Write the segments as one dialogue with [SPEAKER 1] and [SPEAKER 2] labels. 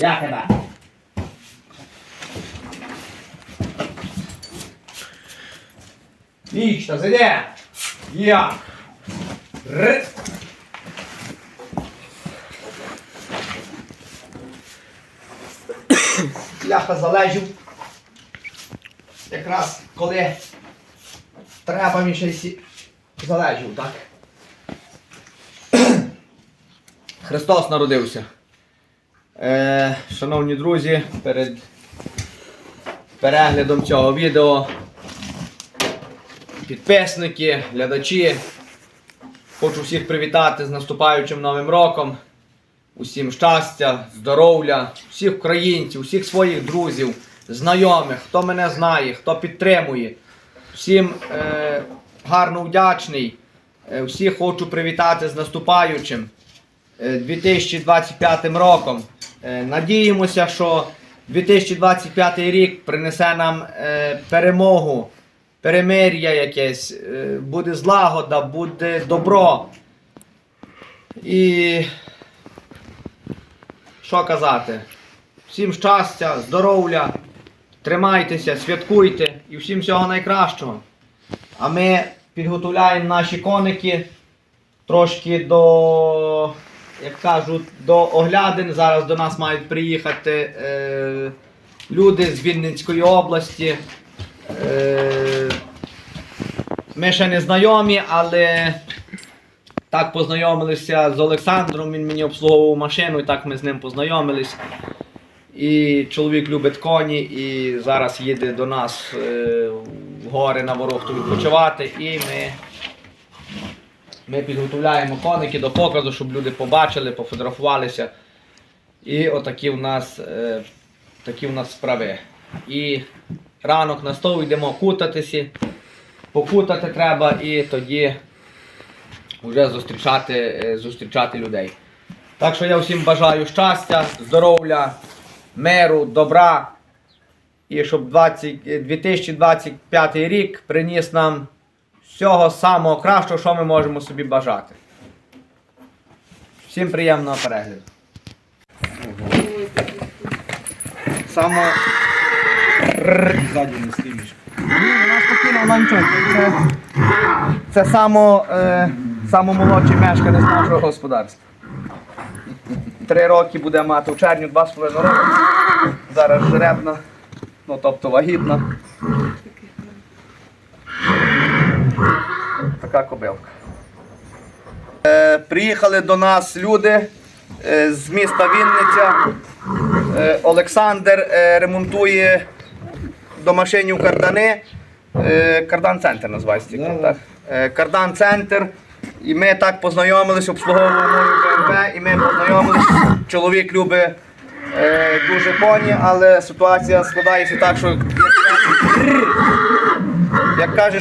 [SPEAKER 1] Я тебе. Вічно, зайди. Я. Р. Ляха залежів. Якраз коли треба мені ще й залежів, так? Христос народився. Шановні друзі, перед переглядом цього відео, підписники, глядачі, хочу всіх привітати з наступаючим Новим роком. Усім щастя, здоров'я, всіх українців, всіх своїх друзів, знайомих, хто мене знає, хто підтримує. Всім гарно вдячний. Всіх хочу привітати з наступаючим 2025 роком. Надіємося, що 2025 рік принесе нам перемогу, перемир'я якесь, буде злагода, буде добро. І що казати? Всім щастя, здоров'я, тримайтеся, святкуйте і всім всього найкращого. А ми підготовляємо наші коники трошки до, як кажуть, до оглядин. Зараз до нас мають приїхати люди з Вінницької області. Ми ще не знайомі, але так познайомилися з Олександром, він мені обслуговував машину, і так ми з ним познайомились. І чоловік любить коні, і зараз їде до нас в гори на Ворохту відпочивати. І ми підготовляємо коники до показу, щоб люди побачили, пофотографувалися. І отакі в нас, такі в нас справи. І ранок на стол йдемо кутатися, покутати треба і тоді вже зустрічати людей. Так що я всім бажаю щастя, здоров'я, миру, добра. І щоб 2025 рік приніс нам всього самого кращого, що ми можемо собі бажати. Всім приємного перегляду. Ззаді не слідиш. Вона спокійно, вона нічого. Це молодший мешканець нашого господарства. 3 роки буде мати в червні, 2,5 роки. Зараз жеребна, ну тобто вагітна. Така кобилка. Приїхали до нас люди з міста Вінниця. Олександр ремонтує до машинів кардани. Кардан-центр називається. Так? Кардан-центр. І ми так познайомились, обслуговували мою БМВ, і ми познайомились. Чоловік любить дуже коні, але ситуація складається так, що як каже,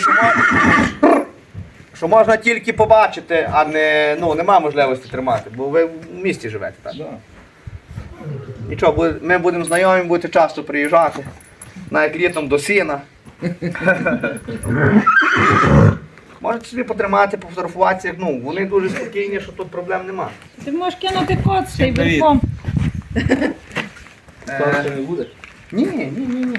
[SPEAKER 1] що можна тільки побачити, а не, нема можливості тримати, бо ви в місті живете. Так? Нічого, ми будемо знайомі, будете часто приїжджати, навіть літом до сіна. Можете собі потримати, пофотографуватися, вони дуже спокійні, що тут проблем нема.
[SPEAKER 2] Ти можеш кинути кот з цей верхом.
[SPEAKER 1] Скоро не буде? Ні.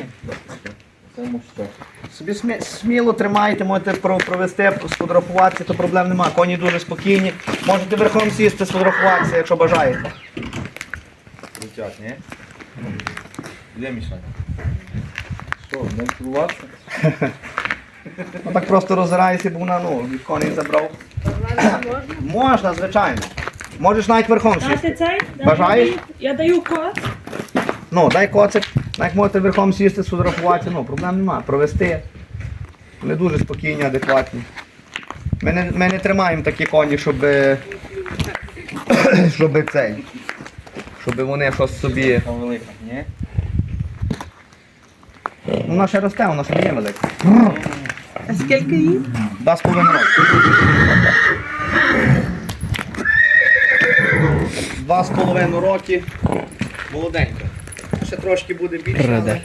[SPEAKER 1] Собі сміло тримайте, можете провести, сфотографуватися, то проблем нема. Коні дуже спокійні. Можете верхом сісти, сфотографуватися, якщо бажаєте.
[SPEAKER 3] Летять, ні? Де Міша? Що, не цілуватися?
[SPEAKER 1] Так просто роззираєшся, бо вона від коней забрав. Можна, звичайно. Можеш навіть верхом
[SPEAKER 2] Дати
[SPEAKER 1] сісти.
[SPEAKER 2] цей?
[SPEAKER 1] Бажаєш?
[SPEAKER 2] Я даю кот.
[SPEAKER 1] Дай коцик, навіть можете верхом сісти, сфотографуватися, проблем нема. Провести. Вони дуже спокійні, адекватні. Ми не тримаємо такі коні, щоб вони щось собі...
[SPEAKER 3] Там велика, ні?
[SPEAKER 1] Вона ще росте, вона ще не є велика.
[SPEAKER 2] А скільки їй?
[SPEAKER 1] 2,5 роки. 2,5 роки. Молоденька. Ще трошки буде більше, але...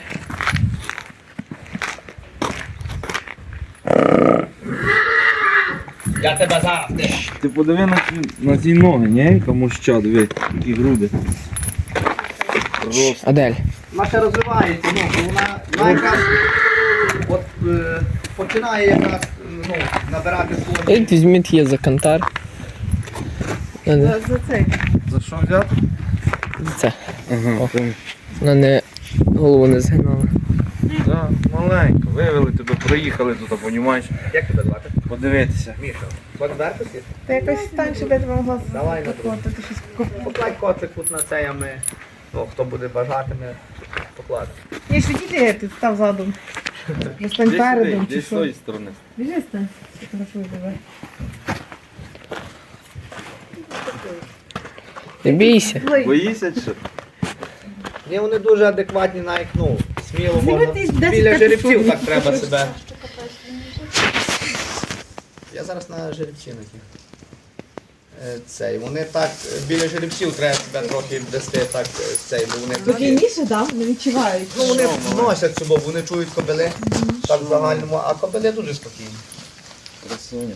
[SPEAKER 1] Я тебе зараз.
[SPEAKER 3] Ти подиви на ці ноги, ні? Тому що, диви, такі груди. Просто.
[SPEAKER 4] Адель.
[SPEAKER 1] Вона ще розвивається, вона якраз от, починає якраз набирати свої.
[SPEAKER 4] Візьміть її за кантар.
[SPEAKER 2] За цей.
[SPEAKER 3] За що взяти?
[SPEAKER 4] Це.
[SPEAKER 3] Ага.
[SPEAKER 4] Вона не голову не згинала.
[SPEAKER 3] Так, маленько. Вивели тебе, приїхали тут, понімаєш?
[SPEAKER 1] Як тебе звати?
[SPEAKER 3] Подивитися.
[SPEAKER 1] Міша. Будеш вертися?
[SPEAKER 2] Та якось стань, щоб я тебе могла
[SPEAKER 1] Давай,
[SPEAKER 2] закладати, ти щось
[SPEAKER 1] Покладь коцик тут на цей, а ми, хто буде бажати, ми покладемо.
[SPEAKER 2] Ні, що діти ти став задом. Вже стань передом чи
[SPEAKER 3] Десь з
[SPEAKER 2] що.
[SPEAKER 3] тої сторони.
[SPEAKER 2] Біжи стань, фотографую тебе.
[SPEAKER 4] Не бійся.
[SPEAKER 3] Боїшся чи що?
[SPEAKER 1] Ні, вони дуже адекватні, навіть, сміло
[SPEAKER 2] Зніми
[SPEAKER 1] можна.
[SPEAKER 2] ти 10
[SPEAKER 1] Біля жеребців
[SPEAKER 2] капюшонів.
[SPEAKER 1] так треба себе. Я зараз на жеребці на тих. Цей, вони так, біля жеребців треба себе трохи вести так, цей, бо вони
[SPEAKER 2] Спокійніше, так? Не відчувають.
[SPEAKER 1] ну, вони носять собою, вони чують кобили, так в загальному, а кобили дуже спокійні.
[SPEAKER 3] Красуня.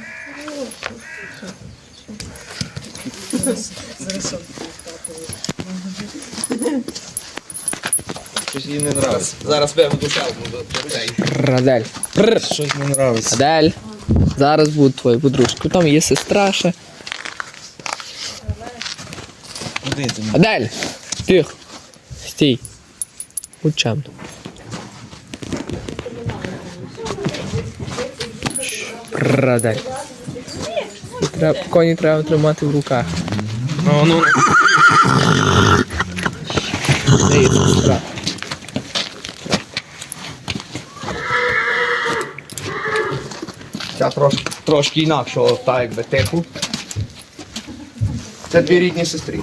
[SPEAKER 3] Щось їй не нравиться.
[SPEAKER 1] Зараз виведу шелку до цей.
[SPEAKER 4] Адель.
[SPEAKER 3] Щось не нравиться.
[SPEAKER 4] Адель. Зараз будуть твої подружки. Там є сестра ще.
[SPEAKER 3] Куди ти?
[SPEAKER 4] Адель! Тихо. Стій. Будь чемно. Адель. Коні треба тримати в руках.
[SPEAKER 3] Ну.
[SPEAKER 4] Де є сестра?
[SPEAKER 1] Ця трошки інакшого, так якби типу. Це дві рідні сестри.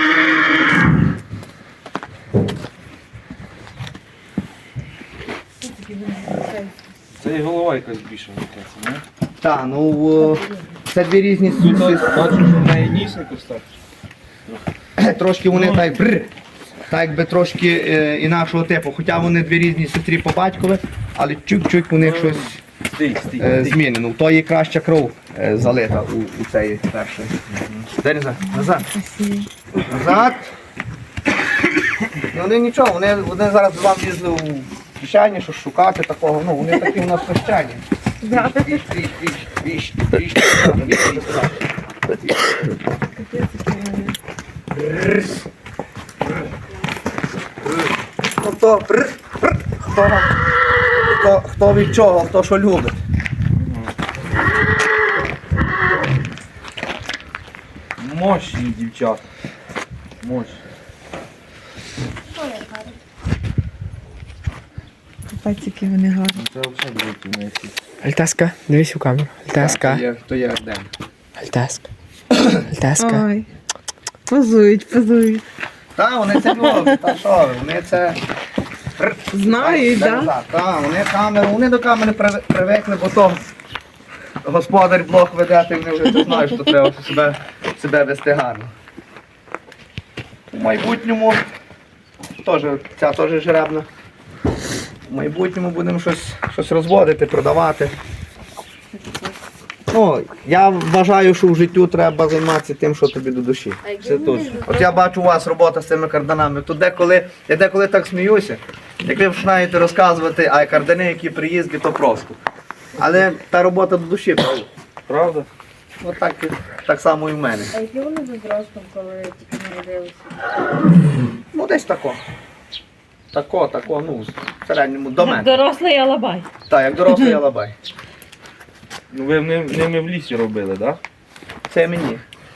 [SPEAKER 3] Це і голова якась більша якась, не?
[SPEAKER 1] Так, це дві різні сестри.
[SPEAKER 3] Бачу, що в неї ніс якось так.
[SPEAKER 1] Трошки вони так якби трошки інакшого типу. Хоча вони дві різні сестри по батькові, але чуть-чуть у них щось
[SPEAKER 3] Стій.
[SPEAKER 1] змінено. У тої краща кров залита у цієї першої. Дай назад. Назад. І вони нічого, вони зараз до вам лізли у кишені, що шукати такого. Вони такі у нас хрещені. Віж. Хто від чого, хто що любить.
[SPEAKER 3] Мощні дівчата. Мощні.
[SPEAKER 2] Пальчики вони гарні.
[SPEAKER 3] Це взагалі великі в неї.
[SPEAKER 4] Альтаска, дивись у камеру. Альтаска.
[SPEAKER 1] То є Арден.
[SPEAKER 4] Альтаска. Альтаска.
[SPEAKER 2] Ой. Позують.
[SPEAKER 1] Так, вони це роблять, та що ви, вони це...
[SPEAKER 2] Знають, так?
[SPEAKER 1] Так, вони до камери привикли, бо то господар блог веде, і вони вже це знають, що треба себе вести гарно. У майбутньому ця теж жеребна. В майбутньому будемо щось розводити, продавати. Я вважаю, що в життю треба займатися тим, що тобі до душі.
[SPEAKER 3] Це точно.
[SPEAKER 1] От я бачу у вас робота з цими карданами. То я деколи так сміюся, як ви починаєте розказувати, а кардани, які приїзді, то просто. Але та робота до душі, правда?
[SPEAKER 3] Правда?
[SPEAKER 1] От так само і в мене.
[SPEAKER 5] А які вони за зростом, коли тільки народилися?
[SPEAKER 1] Десь тако. Тако, в середньому до мене.
[SPEAKER 5] Дорослий алабай.
[SPEAKER 1] Так, як дорослий алабай.
[SPEAKER 3] Ну ви ними в лісі робили, так?
[SPEAKER 1] Це мені.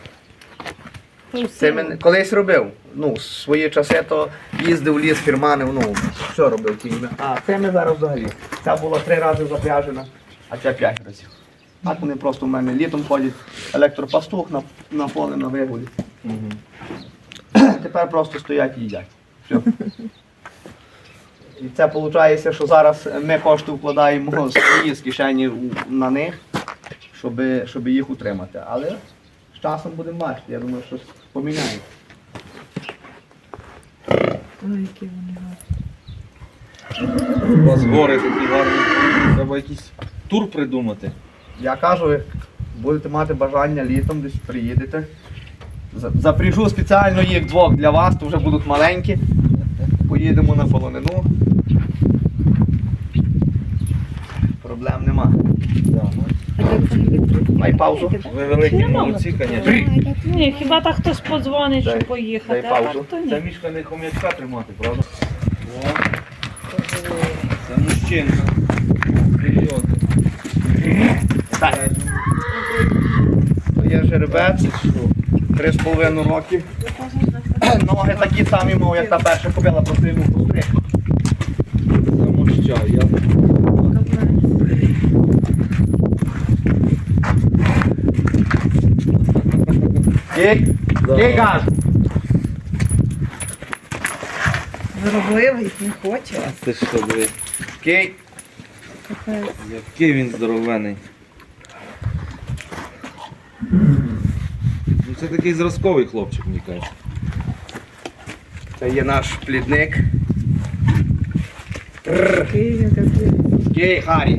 [SPEAKER 1] Це мене колись робив. Свої часи то їздив в ліс, фірманив, все робив кіньми. А це ми зараз взагалі. Ця була 3 рази запряжена, а ця 5 разів. Так вони просто в мене літом ходять, електропастух на поле, на вигулі. Тепер просто стоять і їдять. Все. І це виходить, що зараз ми кошти вкладаємо свої з кишені на них, щоб їх утримати. Але з часом будемо бачити, я думаю, щось поміняється.
[SPEAKER 2] Ой, які вони гарні.
[SPEAKER 3] У вас гори такі гарні. Треба якийсь тур придумати.
[SPEAKER 1] Я кажу, як будете мати бажання літом, десь приїдете, Запряжу спеціально їх двох для вас, то вже будуть маленькі. Поїдемо на полонину. Проблем нема. Дай паузу.
[SPEAKER 3] Ви великі молодці, звісно.
[SPEAKER 5] Ні, хіба так хтось подзвонить,
[SPEAKER 1] Дай-
[SPEAKER 5] щоб поїхати,
[SPEAKER 1] дай
[SPEAKER 5] а
[SPEAKER 1] паузу.
[SPEAKER 5] так то ні.
[SPEAKER 3] Це мішка не хом'ячка тримати, правда? О, це мужчинка. Вперед.
[SPEAKER 1] Так. Є жеребець, 3,5 роки. Ноги такі самі, мов, як та перша кобила, просто йому постриг.
[SPEAKER 3] Замощаю.
[SPEAKER 1] Кей, кей газ.
[SPEAKER 2] Зробив, не хоче.
[SPEAKER 3] А це що, диви?
[SPEAKER 1] Кей.
[SPEAKER 3] Який він здоровений. Ну це такий зразковий хлопчик, мені кажуть.
[SPEAKER 1] Це є наш плідник.
[SPEAKER 2] Такий він такий.
[SPEAKER 1] Кей, Харі.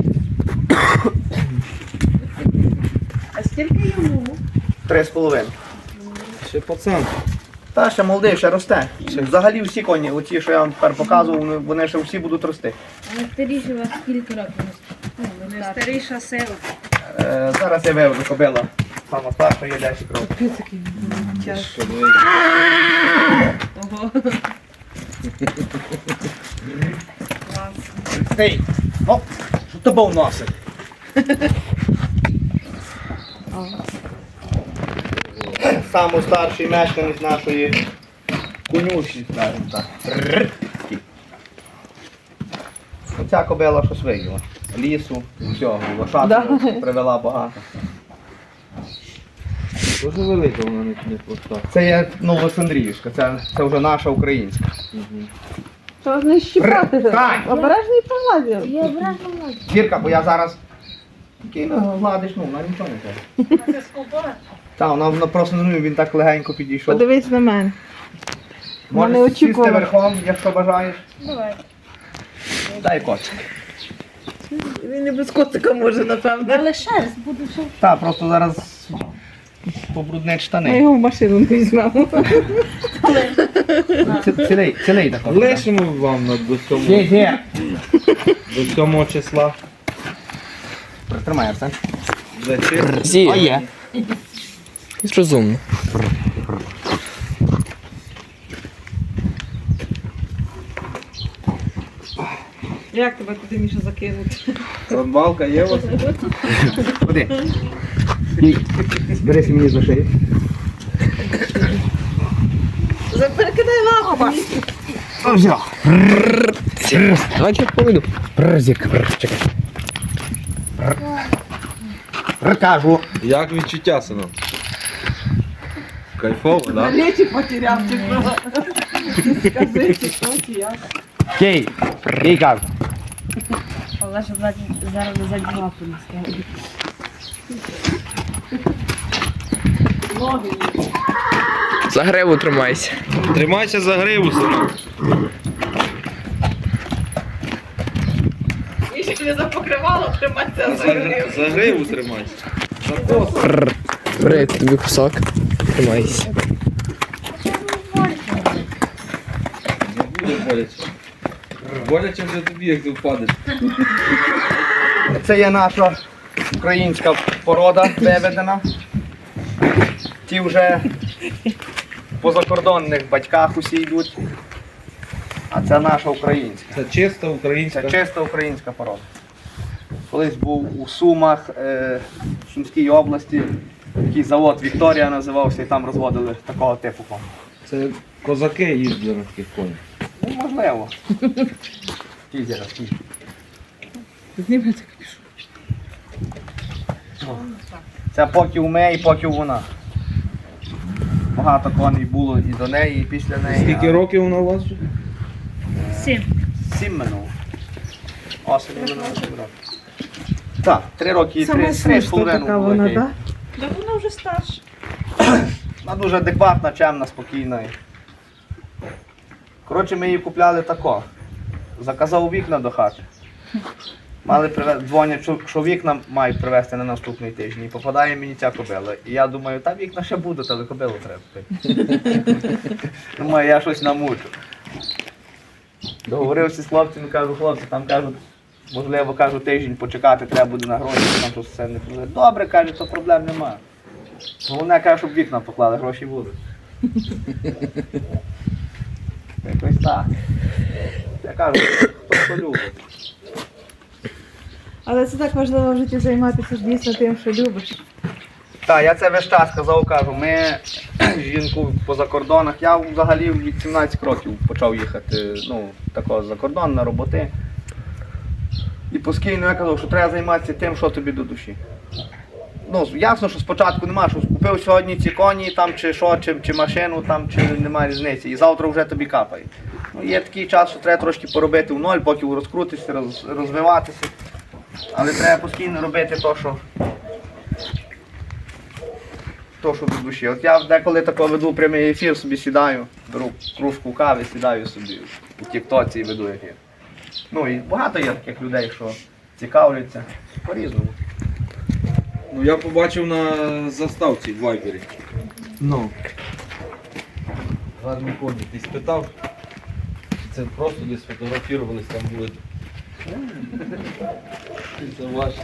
[SPEAKER 2] А скільки йому?
[SPEAKER 1] 3,5.
[SPEAKER 3] Ще пацан.
[SPEAKER 1] Та ще молодий, ще росте. Взагалі всі коні, оті, що я вам тепер показував, вони ще всі будуть рости.
[SPEAKER 5] А старіші у вас скільки років?
[SPEAKER 2] Не старіша сила.
[SPEAKER 1] Зараз я виведу кобила. Сама старша є 10 років.
[SPEAKER 2] Капець який він. Час.
[SPEAKER 3] Що, диви?
[SPEAKER 2] Ого.
[SPEAKER 1] Стій! Оп! Що тобою носить? Самий старший мешканець нашої конюшні, скажімо так. Оця кобила щось виїла. Лісу, всього, лошадку привела багато.
[SPEAKER 3] Дуже велика вона не проста.
[SPEAKER 1] Це є Новоолександрівська, це вже наша українська.
[SPEAKER 2] Що не щіпати?
[SPEAKER 1] Стань!
[SPEAKER 2] Обережний повазір.
[SPEAKER 5] Я ображена можу.
[SPEAKER 1] Зірка, бо я зараз гладиш, вона нічого не каже.
[SPEAKER 5] Це скобора?
[SPEAKER 1] Так, вона просто він так легенько підійшов.
[SPEAKER 2] Подивись на мене.
[SPEAKER 1] Можеш
[SPEAKER 2] не
[SPEAKER 1] сісти
[SPEAKER 2] очікувала.
[SPEAKER 1] верхом, якщо бажаєш.
[SPEAKER 5] Давай.
[SPEAKER 1] Дай котик.
[SPEAKER 2] Він не без котика може, напевно.
[SPEAKER 5] Але шерсть буде ще.
[SPEAKER 1] Так, просто зараз побруднить
[SPEAKER 2] Ми
[SPEAKER 1] штани.
[SPEAKER 2] його в машину не візьмемо.
[SPEAKER 1] Цілий також.
[SPEAKER 3] Лишимо вам до 7 числа.
[SPEAKER 1] Тримай, Арсен.
[SPEAKER 3] Вечір.
[SPEAKER 4] Зі.
[SPEAKER 1] А є.
[SPEAKER 4] Розумно.
[SPEAKER 2] Як тебе туди, Міша, закинути?
[SPEAKER 3] Рибалка є у вас?
[SPEAKER 1] Ходи. Берися мені за шию.
[SPEAKER 2] Перекидай лапу.
[SPEAKER 4] Давайте я поведу.
[SPEAKER 1] Прзик, чекай. Кажу.
[SPEAKER 3] Як відчуття, синок? Кайфово, так? Да?
[SPEAKER 2] Речі потеряв, чи що? Скажи, чи що, чи як?
[SPEAKER 1] Кей. Кей кажу.
[SPEAKER 5] Але ж зараз не задні лапу не ставить.
[SPEAKER 2] Ноги.
[SPEAKER 4] За гриву тримайся.
[SPEAKER 3] Тримайся за гриву, синок.
[SPEAKER 2] Міша тобі запокривало, тримайся за гриву.
[SPEAKER 3] За гриву тримайся. За коса.
[SPEAKER 4] Бери тобі кусок. Тримайся.
[SPEAKER 3] Не буде боляче. Боляче вже тобі, як ти впадеш.
[SPEAKER 1] Це є наша українська порода виведена. Ті вже по закордонних батьках усі йдуть. А це наша українська.
[SPEAKER 3] Це чиста українська.
[SPEAKER 1] Це чиста українська порода. Колись був у Сумах, в Сумській області, такий завод Вікторія називався, і там розводили такого типу коней.
[SPEAKER 3] Це козаки їздили на таких конях.
[SPEAKER 1] Ну, можливо. Ті зараз, ті.
[SPEAKER 2] Зніми так пішу.
[SPEAKER 1] Це поки у мене і поки вона. Багато коней було і до неї, і після неї.
[SPEAKER 3] Скільки років вона у вас вже?
[SPEAKER 5] 7.
[SPEAKER 1] 7 минуло. Осінь минуло 7 років. Так, 3 роки і
[SPEAKER 2] Саме
[SPEAKER 1] 3 з
[SPEAKER 2] смішна
[SPEAKER 1] половиною
[SPEAKER 2] така
[SPEAKER 1] було.
[SPEAKER 2] вона,
[SPEAKER 1] окей.
[SPEAKER 2] так?
[SPEAKER 5] Так вона вже старша.
[SPEAKER 1] Вона дуже адекватна, чемна, спокійна. Коротше, ми її купляли тако. Заказав вікна до хати. Дзвонять, що вікна мають привезти на наступний тиждень. І попадає мені ця кобила. І я думаю, та вікна ще будуть, але кобилу треба купити. Думаю, я щось намучу. Договорився з хлопцями, кажу, хлопці, там кажуть, можливо, кажу, тиждень почекати, треба буде на гроші, там щось все не буде. Добре, каже, то проблем немає. Головне, каже, щоб вікна поклали, гроші будуть. Якось так. Я кажу, хто любить.
[SPEAKER 2] Але це так важливо в житті займатися дійсно тим, що любиш.
[SPEAKER 1] Так, я це весь час казав, кажу, ми жінку по закордонах, я взагалі від 17 років почав їхати, ну, такого за кордон, на роботи. І постійно я казав, що треба займатися тим, що тобі до душі. Ну, ясно, що спочатку нема, що купив сьогодні ці коні, там, чи що, чи машину, там, чи немає різниці, і завтра вже тобі капає. Ну, є такий час, що треба трошки поробити в ноль, поки розкрутишся, розвиватися. Але треба постійно робити то, що до душі. От я деколи тако веду прямий ефір, собі сідаю, беру кружку кави, сідаю собі у тіктоці і веду ефір. Ну і багато є таких людей, що цікавляться по-різному.
[SPEAKER 3] Ну я побачив на заставці в Вайбері.
[SPEAKER 1] Ну.
[SPEAKER 3] Гарні коні. Ти спитав? Це просто десь фотографувались, там були. Це ваше.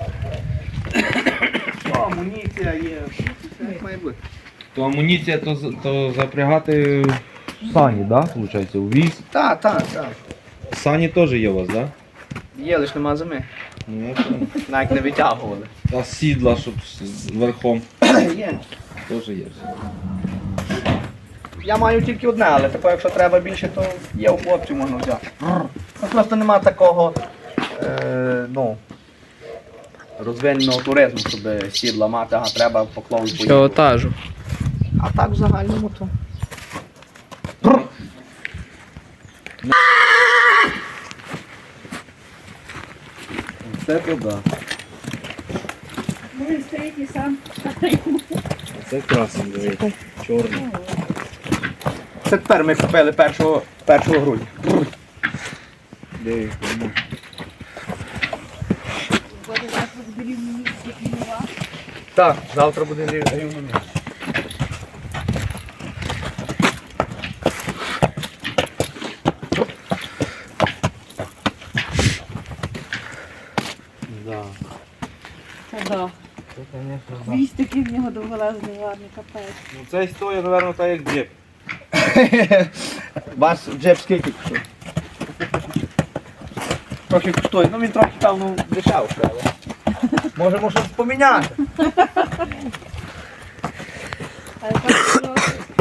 [SPEAKER 1] Амуніція є, все як має бути.
[SPEAKER 3] То амуніція, то запрягати в сані, да? Виходить, у віз.
[SPEAKER 1] Так.
[SPEAKER 3] Сані теж є у вас, да?
[SPEAKER 1] Є, лише нема зими.
[SPEAKER 3] Ну, я понял.
[SPEAKER 1] Навіть не витягували.
[SPEAKER 3] Та сідла, щоб верхом.
[SPEAKER 1] Є.
[SPEAKER 3] Теж є.
[SPEAKER 1] Я маю тільки одне, але тако, якщо треба більше, то є у хлопців, можна взяти. Ну, просто нема такого розвиненого туризму, щоб сідла мати, ага, треба поклав і поїхав.
[SPEAKER 4] Пілотажу.
[SPEAKER 1] А так в загальному то.
[SPEAKER 3] Це то да.
[SPEAKER 5] Ну, він стоїть і сам.
[SPEAKER 3] Це красний, дивіться. Чорний.
[SPEAKER 1] Це тепер ми купили 1 грудня.
[SPEAKER 3] Дивіться.
[SPEAKER 5] Буде завтра в рівному місці нова.
[SPEAKER 1] Так, завтра буде рівно місце.
[SPEAKER 3] Да.
[SPEAKER 5] Це да.
[SPEAKER 3] Це, звісно, да.
[SPEAKER 5] Хвіст такий в нього довголезний, гарний, капець.
[SPEAKER 3] Ну це історія, мабуть, так як джип.
[SPEAKER 1] Вас джеб скільки коштує? Трохи коштує, ну він трохи певно дешевше, але можемо щось поміняти.
[SPEAKER 5] Але так,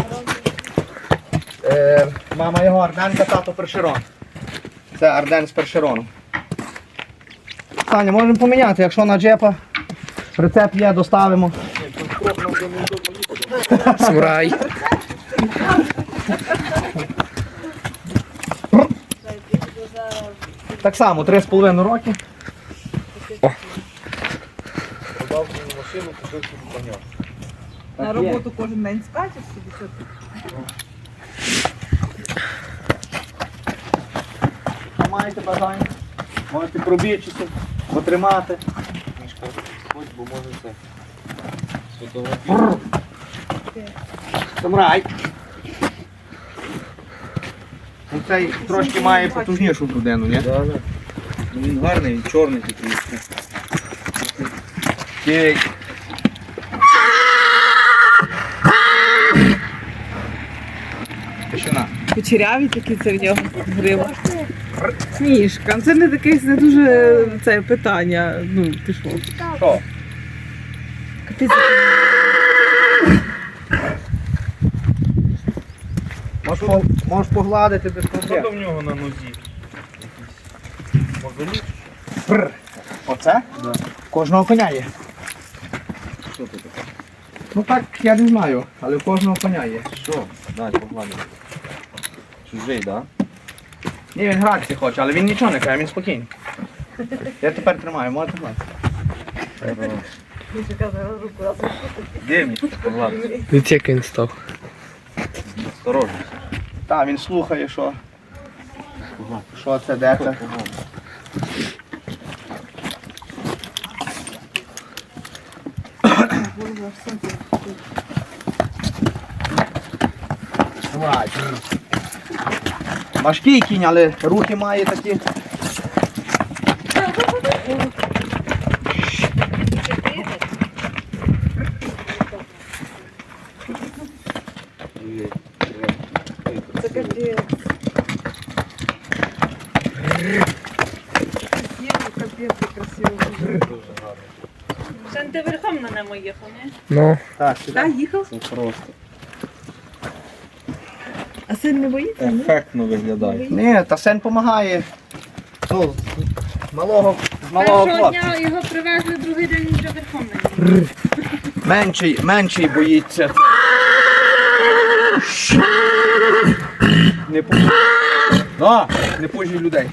[SPEAKER 1] Мама його Арденка, тато Першерон. Це Арден з Першерону. Саня, можемо поміняти, якщо на джепа прицеп є, доставимо.
[SPEAKER 4] Самурай.
[SPEAKER 1] Так само, 3,5 роки.
[SPEAKER 3] Подав мені машину, купив собі коня.
[SPEAKER 2] На роботу кожен день скачеш собі, що ти?
[SPEAKER 1] Маєте бажання, можете пробічити, потримати.
[SPEAKER 3] Мішка, ходь, бо може це. Сфотографувати.
[SPEAKER 1] Самурай. Цей трошки має потужнішу грудину, ні?
[SPEAKER 3] Да, да. Ну він гарний, він чорний такий.
[SPEAKER 1] Окей. Тишина.
[SPEAKER 2] Кучеряві такі це в нього грива. Смішка. Це не таке не дуже це питання. Ну, ти що?
[SPEAKER 1] Що?
[SPEAKER 2] Капець.
[SPEAKER 1] Можеш погладити без
[SPEAKER 3] Що
[SPEAKER 1] проблем.
[SPEAKER 3] там в нього на нозі? Мозолі?
[SPEAKER 1] Прр. Оце?
[SPEAKER 3] Да.
[SPEAKER 1] Кожного коня є.
[SPEAKER 3] Що це таке?
[SPEAKER 1] Ну так, я не знаю, але в кожного коня є.
[SPEAKER 3] Що? Дай, погладимо. Чужий, да?
[SPEAKER 1] Ні, він гратися хоче, але він нічого не каже, він спокійний. Я тепер тримаю, можете гладити.
[SPEAKER 3] Дивні, погладити.
[SPEAKER 4] Дивіться, як він став.
[SPEAKER 3] Осторожно.
[SPEAKER 1] Так, він слухає, що це, де це. Давай. Важкий кінь, але руки має такі.
[SPEAKER 2] Це капець. Капець, красиво.
[SPEAKER 5] Це ти верхом на ньому їхав, не?
[SPEAKER 4] Ну,
[SPEAKER 1] Так,
[SPEAKER 2] Так, їхав?
[SPEAKER 3] Це просто
[SPEAKER 2] А син не боїться? ні?
[SPEAKER 3] ефектно виглядає.
[SPEAKER 1] Ні, та син допомагає. Ну, з малого
[SPEAKER 5] Першого
[SPEAKER 1] хлопця.
[SPEAKER 5] дня його привезли, другий день вже верхом на ньому.
[SPEAKER 1] Менший боїться. Не пужі. Не пужі людей.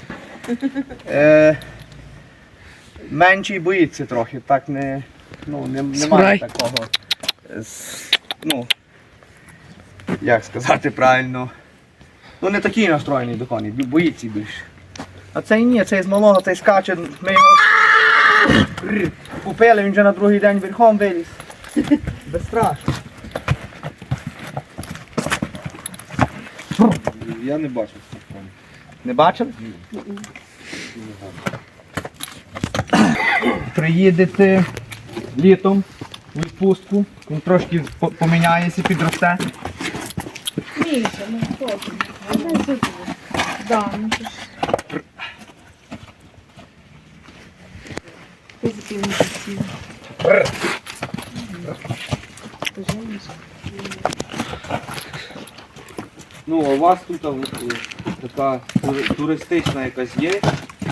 [SPEAKER 1] Менший боїться трохи, так немає
[SPEAKER 4] Справді.
[SPEAKER 1] такого. Ну, як сказати правильно. Ну не такий настроєний до коней, боїться більше. А цей ні, цей з малого, цей скаче, ми його купили, він вже на другий день верхом виліз. Безстрашно.
[SPEAKER 3] Я не бачив цих коней.
[SPEAKER 1] Не бачили? Приїдете літом у відпустку, він трошки поміняється, підросте.
[SPEAKER 5] Міша, ну хлопці. Дай сюди. Да, ну що ж.
[SPEAKER 2] Позитивно красиво.
[SPEAKER 3] Ну, а у вас тут така туристична якась є?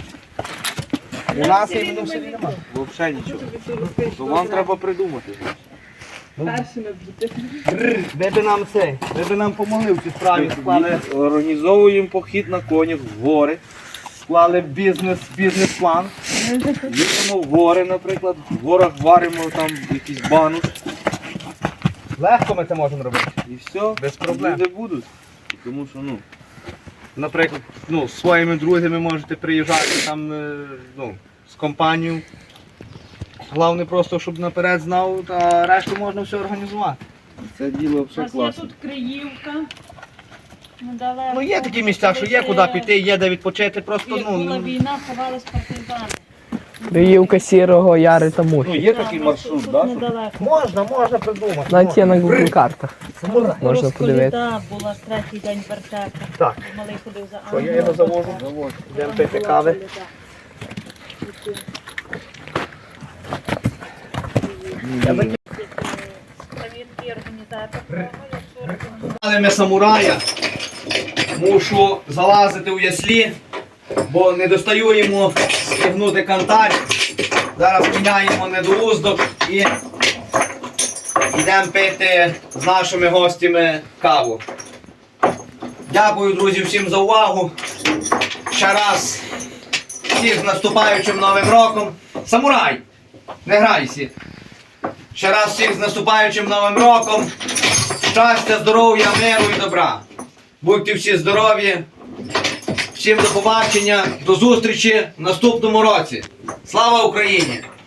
[SPEAKER 1] У нас іменно в селі немає.
[SPEAKER 3] Взагалі нічого. То вам треба придумати.
[SPEAKER 2] Перші на діти.
[SPEAKER 1] Ви би нам помогли в цій справі,
[SPEAKER 3] Організовуємо похід на конях в гори.
[SPEAKER 1] склали бізнес-план.
[SPEAKER 3] Їдемо в гори, наприклад, в горах варимо там якийсь бануш
[SPEAKER 1] Легко ми це можемо робити.
[SPEAKER 3] і все.
[SPEAKER 1] Без проблем.
[SPEAKER 3] Люди будуть. Тому що, ну,
[SPEAKER 1] Наприклад, з своїми друзями можете приїжджати там, з компанією. Головне просто, щоб наперед знав, а решту можна все організувати.
[SPEAKER 3] це діло
[SPEAKER 5] У
[SPEAKER 3] все
[SPEAKER 5] нас є
[SPEAKER 3] класно.
[SPEAKER 5] тут Криївка. Недалеко.
[SPEAKER 1] Ну є такі місця, що є куди піти, є де відпочити, просто
[SPEAKER 5] Як була війна, ховались партизани.
[SPEAKER 4] Криївка Сірого, Яри та
[SPEAKER 3] Ну,
[SPEAKER 4] Мухи.
[SPEAKER 3] є такий маршрут,
[SPEAKER 5] тут
[SPEAKER 3] да?
[SPEAKER 5] недалеко.
[SPEAKER 1] можна придумати.
[SPEAKER 4] Навіть є на Google картах. Можна подивитися.
[SPEAKER 5] Розколіда була третій день вертепу.
[SPEAKER 1] Так.
[SPEAKER 5] Малий ходив за
[SPEAKER 1] Що, я його завожу? Йдемо пити кави.
[SPEAKER 5] Провідки організатор того, якщо організатор.
[SPEAKER 1] Але ми самурая, мушу залазити у яслі, бо не достаю йому стягнути кантар. Зараз міняємо недоуздок і йдемо пити з нашими гостями каву. Дякую, друзі, всім за увагу. Ще раз всіх з наступаючим Новим роком. Самурай! Не грайся! Ще раз всіх з наступаючим Новим роком. Щастя, здоров'я, миру і добра. Будьте всі здорові. Всім до побачення, до зустрічі в наступному році. Слава Україні!